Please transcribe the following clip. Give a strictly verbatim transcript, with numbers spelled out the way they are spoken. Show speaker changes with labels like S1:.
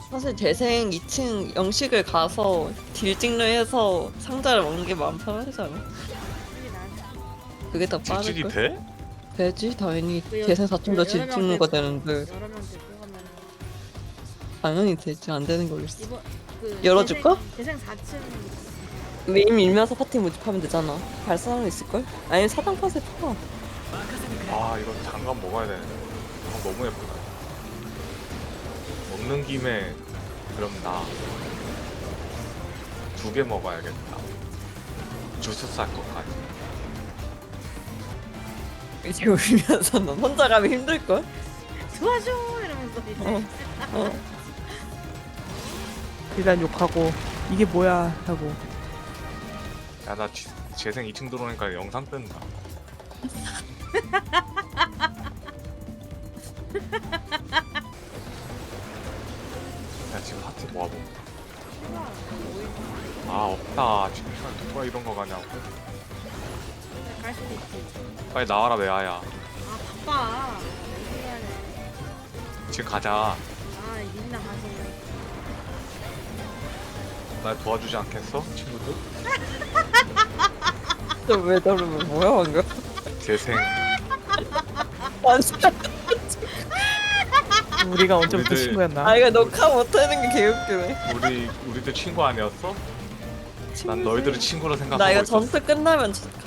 S1: 사실 재생 이 층 영식을 가서 딜찍로 해서 상자를 먹는 게 마음 편하잖아.
S2: 솔직히 난
S1: 그게 더
S3: 딜찍이
S1: 빠를걸?
S3: 돼?
S1: 되지 당연히.
S2: 그 여-
S1: 재생 사 층도
S2: 그 여러 명
S1: 딜찍는 거
S2: 데리고
S1: 되는데
S2: 여러 명 데리고 가면
S1: 당연히 되지. 안 되는 거 있어.
S2: 이번 그
S1: 열어줄까?
S2: 재생, 재생 사 층
S1: 메인 밀면서 파티 모집하면 되잖아. 갈 사람 있을걸? 아니면 사당 팟에 파.
S3: 아 이거 장갑 먹어야 되는데. 아, 너무 예쁘다. 먹는 김에 그럼 나 두 개 먹어야겠다. 주스 쌀 것까지.
S1: 이제 울면서 넌 혼자 가면 힘들걸?
S2: 도와줘 이러면서 이제
S1: 어. 어.
S4: 일단 욕하고 이게 뭐야 하고.
S3: 야나 재생 이 층 들어오니까 영상 뜬다. 야 지금 하트 모아볼까? 아 없다. 지금 시간 누가 이런 거 가냐고.
S2: 갈 수도 있지.
S3: 빨리 나와라 메아야.
S2: 아 바빠. 이 시간에
S3: 지금 가자.
S2: 아 일이나 하세요.
S3: 날 도와주지 않겠어 친구들?
S1: 왜 저러면 뭐야 방금?
S3: 재생.
S1: 완전.
S4: 우리가 언제부터
S3: 우리들-
S4: 친구였나?
S1: 아 이거 녹화 못하는 게 개웃기네.
S3: 우리 우리들 친구 아니었어? 난
S1: 친구지.
S3: 너희들을 친구로 생각하고
S1: 나 이거
S3: 있었어.
S1: 전투 끝나면